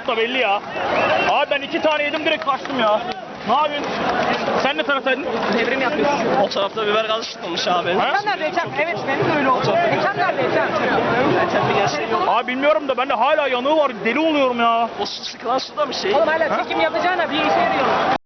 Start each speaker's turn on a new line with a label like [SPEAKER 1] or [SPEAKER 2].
[SPEAKER 1] usta belli ya. Abi ben 2 tane yedim direkt kaçtım ya. Ne yapıyorsun? Sen ne taraftaydın?
[SPEAKER 2] Devrim yapıyorsun.
[SPEAKER 3] O tarafta biber gazı çıkmamış abi.
[SPEAKER 1] Ha?
[SPEAKER 2] Geçen nerede Ecem? Evet benim de öyle oldu. Geçen nerede Ecem?
[SPEAKER 3] Geçen bir gerçek yok.
[SPEAKER 1] Abi bilmiyorum da bende hala yanığı var. Deli oluyorum ya.
[SPEAKER 3] O su sıkılan suda mı şey?
[SPEAKER 2] Oğlum hala çekim yapacağına bir işe yarıyor.